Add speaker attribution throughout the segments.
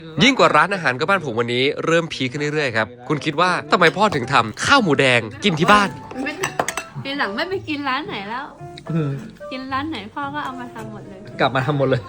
Speaker 1: ยิ่งกว่าร้านอาหารก็บ้านผมวันนี้เริ่มพีคขึ้นเรื่อยๆครับคุณคิดว่าทำไมพ่อถึงทำข้าวหมูแดงกินที่บ้าน
Speaker 2: ไม่ทีหลังไม่ไปกินร้านไหนแล้ว กินร้านไหนพ่อก็เอามาทำหมดเลย
Speaker 1: กลับมาทำหมดเลย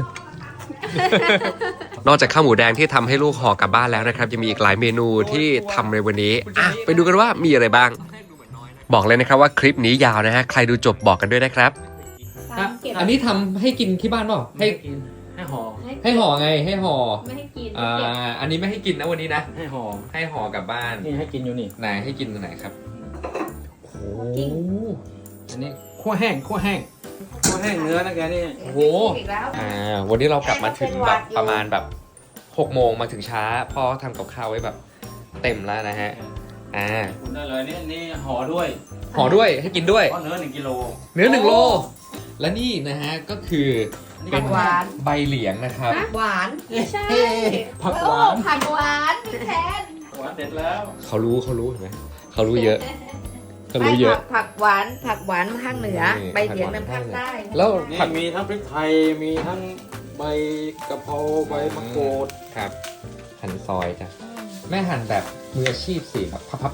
Speaker 1: นอกจากข้าวหมูแดงที่ทำให้ลูกห่อกลับบ้านแล้วนะครับยังมีอีกหลายเมนูที่ทำในวันนี้ไปดูกันว่ามีอะไรบ้างบอกเลยนะครับว่าคลิปนี้ยาวนะฮะใครดูจบบอกกันด้วยนะครับอันนี้ทำให้กินที่บ้านเปล่าให้
Speaker 3: ให้ห่อ
Speaker 1: ให้ห่อไงให้ห่อ
Speaker 2: ไม่ให้กิน
Speaker 1: อันนี้ไม่ให้กินนะวันนี้นะ
Speaker 3: ให้ห่อ
Speaker 1: ให้ห่อกลับบ้าน
Speaker 3: นี่ให้กินอยู่นี่
Speaker 1: ไหนให้กินตรงไหนครับโอ้โห
Speaker 3: อันนี้คั่วแห้งคั่วแห้งคั่วแห้งเนื้อนะแกนี่
Speaker 1: โอ้โหวันนี้เรากลับมาถึงแบบประมาณแบบ6 โมงมาถึงช้าพ่อทำกับข้าวไว้แบบเต็มแล้วนะฮะ
Speaker 3: คุณได้เลยนี่ห่อด้วย
Speaker 1: ห่อด้วยให้กินด้วย
Speaker 3: เพราะเนื้อ1 กิโล
Speaker 1: เนื้อ1 โลและนี่นะฮะก็คือเป็น
Speaker 4: หวาน
Speaker 1: ใบเหลียงนะครับ
Speaker 4: หวาน
Speaker 2: ไม่ใช่
Speaker 3: ผักหวาน
Speaker 4: ผักหวานพี่แทน
Speaker 3: หวานเด็ดแล้ว
Speaker 1: เขารู้เห็นไหมเขารู้เยอะเขารู้เยอะ
Speaker 4: ผักหวานภาคเหนือ
Speaker 1: นี่
Speaker 4: ใบเหลียงน้ำภาคใต้
Speaker 1: แล้ว
Speaker 3: นี่
Speaker 1: ผัก
Speaker 3: มีทั้งพริกไทยมีทั้งใบกะเพราใบมะกรูด
Speaker 1: ครับหั่นซอยจ้ะแม่หั่นแบบมืออาชีพสิแบบพับ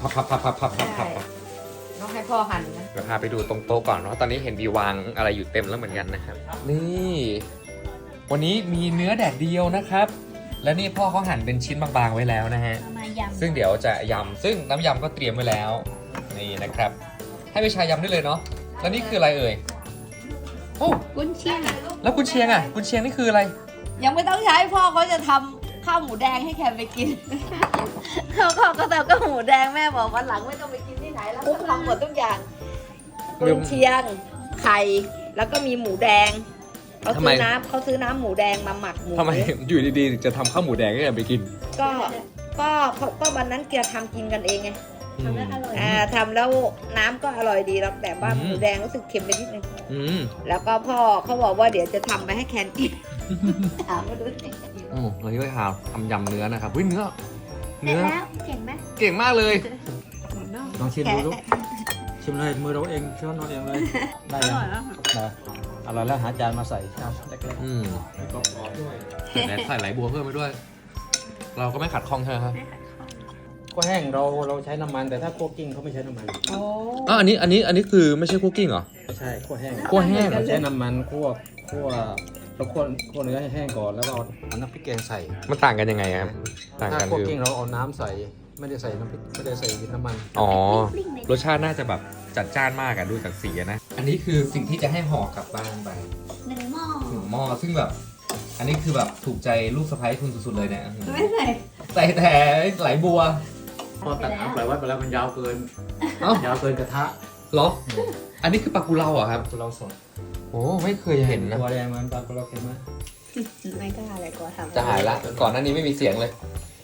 Speaker 4: ต้องให้พ่อหั่นนะ
Speaker 1: เดี๋ยวพาไปดูตรงโต๊ะก่อนเพราะตอนนี้เห็นวีวางอะไรอยู่เต็มแล้วเหมือนกันนะครับนี่วันนี้มีเนื้อแดดเดียวนะครับ และนี่พ่อเขาหั่นเป็นชิ้นบางๆไว้แล้วนะฮะ
Speaker 2: เอามายำ
Speaker 1: ซึ่งเดี๋ยวจะยำซึ่งน้ำยำก็เตรียมไว้แล้วนี่นะครับให้ไปชายยำได้เลยเนาะแล้วนี่คืออะไรเอ่ยโอ้
Speaker 2: กุ้นเชียง
Speaker 1: แล้วกุนเชียงอ่ะกุนเชียงนี่คืออะไร
Speaker 4: ยังไม่ต้องใช้พ่อเขาจะทำข้าวหมูแดงให้แคมไปกิน เขาก็ทำข้าวหมูแดงแม่บอกวันหลังไม่ต้องไปกินที่ไหนแล้วเขาทำหมดทุกอย่างกุนเชียงไข่แล้วก็มีหมูแดงเขาซื้อน้ำหมูแดงมาหมักหมู
Speaker 1: ทำไมอยู่ดีๆจะทำข้าวหมูแดงให้ไปกิน
Speaker 4: ก็วันนั้นเกียร์ทำกินกันเองไง
Speaker 2: ทำได้อร่อย
Speaker 4: ทำแล้วน้ำก็อร่อยดีแล้วแต่ว่าหมูแดงรู้สึกเค็มไปนิดนึง แล้วก็พ่อเขาบอกว่าเดี๋ยวจะทำไปให้แคนกิน ถามมาดูสิ
Speaker 1: โอ้เราที่ไปหาทำยำเนื้อนะครับเนื้อ
Speaker 2: เสร็จแล้วเก่งไหม
Speaker 1: เก่งมากเลย
Speaker 3: ลองชิมดูลูกชิมเลยมือเราเองช้อนเราเองเลยได้
Speaker 2: อ
Speaker 3: ยัง
Speaker 2: ร่อยแล้วค่ะ
Speaker 3: นะอร่อยแล้วหาจานมาใส่ชามเล็ก
Speaker 1: แล้วก็ใส่ไหลบัวเพิ่มไปด้วย เราก็ไม่ขัดข้องใช่ไหมครับ
Speaker 2: ไม่ขัดข้อง
Speaker 3: ๆคั่วแห้งเราใช้น้ำมันแต่ถ้าคั่วกิ้งเขาไม่ใช้น้ำมัน
Speaker 1: อันนี้คือไม่ใช่คุกกิ้งเหรอ
Speaker 3: ไม่ใช่คั่วแห้ง
Speaker 1: คั่วแห้ง
Speaker 3: เราใช้น้ำมันคั่วเราคั่วเนื้อให้แห้งก่อนแล้วก็เอาน้ำพริกแกงใส่
Speaker 1: มันต่างกันยังไงครับต่าง
Speaker 3: ถ้า
Speaker 1: กัน
Speaker 3: คั่ว
Speaker 1: คือ
Speaker 3: กิ้งเราเอาน้ำใส่ไม่ได้ใส่น้ำพริกไม่ได้ใส่น้ำมัน
Speaker 1: อ๋อรสชาติน่าจะแบบจัดจ้านมากอะดูจากสีอะนะอันนี้คือสิ่งที่จะให้ห่อกลับบ้านไป
Speaker 2: 1 หม้อ
Speaker 1: 1 หม้อซึ่งแบบ อันนี้คือแบบถูกใจลูกสะใภ้คุณสุดๆเลยเนี่ย
Speaker 2: ไม่ใส่
Speaker 1: ใส่แต่ไหลบัว
Speaker 3: พอตัดน้ำปล่อยไว้ไปแล้วมันยาวเกิน
Speaker 1: เอ้าย
Speaker 3: าวเกินกระทะ
Speaker 1: เหรออันนี้คือปลากุเลาเหรอครับ
Speaker 3: เราสด
Speaker 1: โอ้ไม่เคยเห็นนะ
Speaker 3: ตัวแดงมันปลาเราเค็มไหม
Speaker 4: ไม่กล้าอะไรกว่าทำ
Speaker 1: จะหายละก่อนหน้านี้ไม่มีเสียงเลย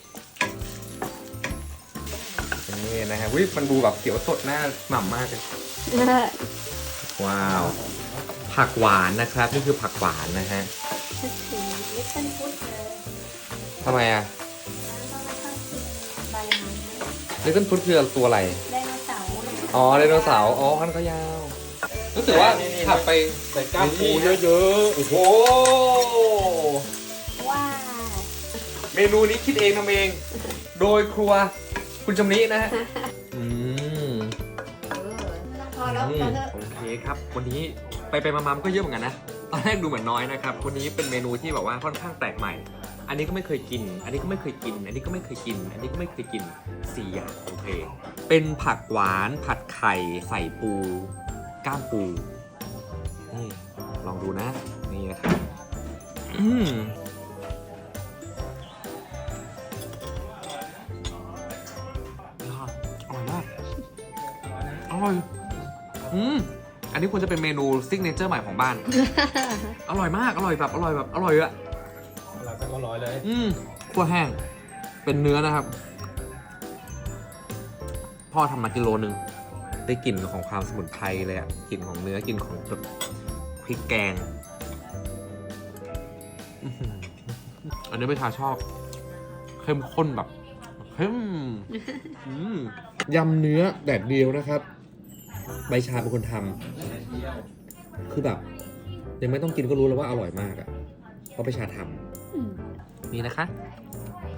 Speaker 1: นี่นะฮะวิมันดูแบบเขียวสดหน้าหม่ำมากเลยว้าว ผักหวานนะครับนี่คือผักหวานนะฮะ
Speaker 2: ถึงลิตเติ้ลฟุตเลย
Speaker 1: ทำไมอ่ะ
Speaker 2: แล้วก็ไม่ค่อยกินใบมัน
Speaker 1: ลิตเติ้ลฟุตคือตัวอะไร
Speaker 2: ไดโนเสาร์เลย
Speaker 1: อ๋อไดโนเสาร์อ๋อพันก็ยาวรู้สึกว่าขับไป
Speaker 3: ใส่ก้ามปูเยอะๆ
Speaker 1: โอ้โห
Speaker 2: ว้าว
Speaker 1: เมนูนี้คิดเองทำเอง โดยครัวคุณจำนี้นะฮะ
Speaker 4: พอแล้วพอเถอะ
Speaker 1: โอเคครับวันนี้ไปมาๆก็เยอะเหมือนกันนะตอนแรกดูเหมือนน้อยนะครับวันนี้เป็นเมนูที่แบบว่าค่อนข้างแปลกใหม่ อันนี้ก็ไม่เคยกิน อันนี้ก็ไม่เคยกิน อันนี้ก็ไม่เคยกิน อันนี้ก็ไม่เคยกิน4 อย่างโอเคเป็นผักหวานผัดไข่ใส่ปูก้ามปูนี่ลองดูนะนี่นะครับอร่อยมากอร่อยอันนี้ควรจะเป็นเมนูซิกเนเจอร์ใหม่ของบ้าน อร่อยมาก อร่อยแบบอร่อยแบบอร่อยอะ
Speaker 3: เราก็อร่อยเลย
Speaker 1: คั่วแห้ง เป็นเนื้อนะครับ พ่อทำมากิโลนึง ได้กลิ่นของความสมุนไพรเลยอะกลิ่นของเนื้อกลิ่นของแบบพริกแกง อันนี้ไปชาชอบ เข้มข้นแบบเข้มยำเนื้อแดดเดียวนะครับ ใบชาเป็นคนทำคือแบบยังไม่ต้องกินก็รู้แล้วว่าอร่อยมากอะเพราะใบชาทำนี่นะคะ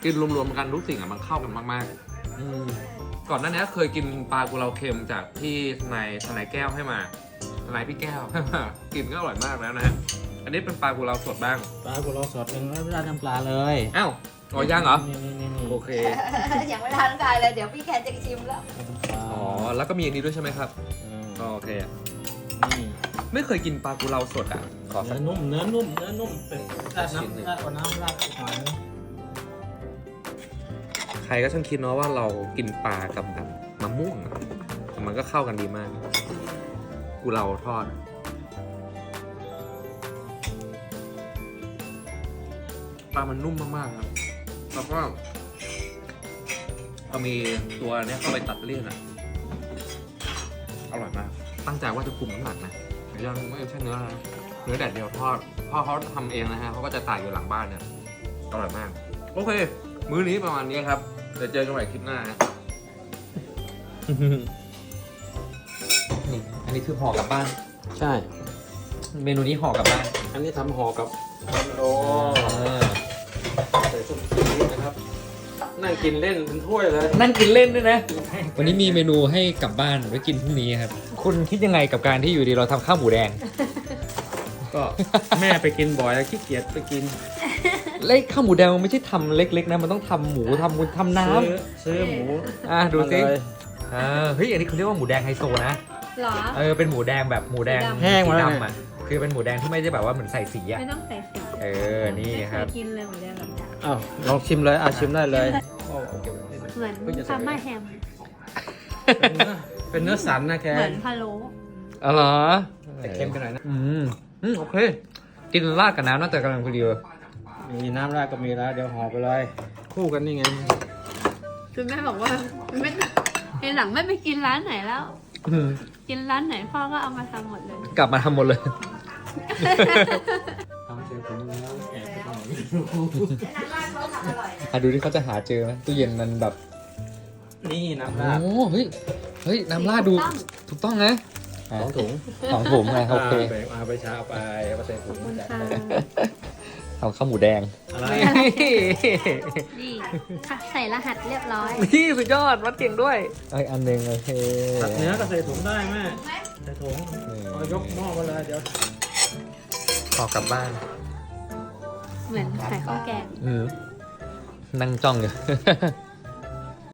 Speaker 1: กินรวมๆกันทุกสิ่งอ่ะมันเข้ากันมากๆก่อนหน้านี้เคยกินปลากุเลาเค็มจากที่ทนายแก้วให้มาทนายพี่แก้ว กินก็อร่อยมากแล้วนะฮะอันนี้เป็นปลากุเลาสดบ้าง
Speaker 3: ปลากุเราสดเป็นไม่ได้น้ำปลาเลย
Speaker 1: อ้าวอ๋อย่างเหรอ
Speaker 3: นี่
Speaker 1: โอเค
Speaker 4: อย่างไม่ทานน้ำลายเลยเดี๋ยวพี่แคนจะชิมแล้ว
Speaker 1: อ๋อแล้วก็มีอันนี้ด้วยใช่ไหมครับโอเค
Speaker 3: นี่
Speaker 1: ไม่เคยกินปลากุเลาสดอ่ะขอสัก
Speaker 3: เนื้อนุ่มเป็นราดน้ำราดน้ำราดหอย
Speaker 1: ใครก็ช่างคิดเนาะว่าเรากินปลากับแบบมะม่วงอะแต่มันก็เข้ากันดีมากกุเลาทอดปลามันนุ่มมากๆครับแล้วก็เอามีตัวเนี้ยเข้าไปตัดเลี่ยนอ่ะอร่อยมากตั้งใจว่าจะคุมน้ำหนักนะยังไม่ใช่เนื้อนะเนื้อแดดเดียวทอดพ่อเขาทำเองนะฮะเขาก็จะตากอยู่หลังบ้านเนี่ยอร่อยมากโอเคมื้อนี้ประมาณนี้ครับเดี๋ยวเจอกันใหม่คลิปหน้าฮะ นี่อันนี้คือห่อกลับบ้าน
Speaker 3: ใช่
Speaker 1: เมนูนี้ห่อกลับบ้าน
Speaker 3: อันนี้ทำห่อกับโอ้ใส่ส้มตำนะครับนั่งกินเล่นเป็นถ้วยเลย
Speaker 1: นั่งกินเล่นด้วยนะ วันนี้มีเมนูให้กลับบ้านไว้กินพรุ่งนี้ครับ คุณคิดยังไงกับการที่อยู่ดีเราทำข้าวหมูแดง
Speaker 3: ก็แม่ไปกินบ่อยแล้วขี้เกียจไปกิน
Speaker 1: เล็กข้าวหมูแดงมันไม่ใช่ทำเล็กๆนะมันต้องทำหมูทำน้ำ
Speaker 3: ซื้อหมู
Speaker 1: ดูสิ
Speaker 3: มาเลย
Speaker 1: เฮ้ยอันนี้เขาเรียกว่าหมูแดงไฮโซนะ
Speaker 2: หรอ
Speaker 1: เป็นหมูแดงแบบหมูแดง
Speaker 3: แห้ง
Speaker 1: สี
Speaker 3: มาแล้ว
Speaker 1: ดำอ่ะคือเป็นหมูแดงที่ไม่ได้แบบว่าเหมือนใส่สีอ่ะ
Speaker 2: ไม่ต้องใส่สี
Speaker 1: นี่ครับ
Speaker 2: ไม่เยกินเลยหมูแดงแบบนี้
Speaker 3: อ้าวลองชิมเลยชิมได้เลย
Speaker 2: เหมือนพาม่าแฮม
Speaker 3: เป็นเนื้อสันนะแก
Speaker 2: เหมือนพะโล้
Speaker 1: อ๋อเหรอ
Speaker 3: แต่เค็มไปหน่อยนะ
Speaker 1: โอเค กินราดกับน้ำน่าจะกำลังพอดีเลย
Speaker 3: มีน้ำราดก็มีแล้วเดี๋ยวห่อไปเลยคู่กันนี่ไง
Speaker 2: คือแม่บอกว่าไม่ทีหลังไม่ไปกินร้านไหนแล้ว กินร้านไหนพ่อก็เอามาทำหมดเลย
Speaker 1: กลับมาทำหมดเลย
Speaker 3: ทำเสร็จผมแล้วแอบไปตรงไหน
Speaker 4: น้ำราดเขาทำอร่อย
Speaker 1: ดูที่เขาจะหาเจอไหมตู้เย็นมันแบบ
Speaker 3: นี่น้ำ
Speaker 1: โอ้
Speaker 3: ราด
Speaker 1: เฮ้ยน้ำราดดูถูกต้องนะ
Speaker 3: 2 ถุง
Speaker 1: ของผมไงโอเค
Speaker 3: เอาไปช้าเอาไปใส่ถุง
Speaker 2: ขอบคุณค่ะ
Speaker 1: เอาข้าวหมูแดง
Speaker 3: อะไร
Speaker 2: นี่ค่ะใส่รหัสเรียบร้อย
Speaker 1: นี่สุดยอดวัดเก่งด้วยอันหนึ่งโอเค
Speaker 3: ตัดเนื้อก็ใส่ถุงได้แม่ใส่ถุงเอายกหม้อมาเลยเดี๋ยว
Speaker 1: ขอกลับบ้าน
Speaker 2: เหมือนไข่ข้าวแกง
Speaker 1: นั่งจ้องอยู่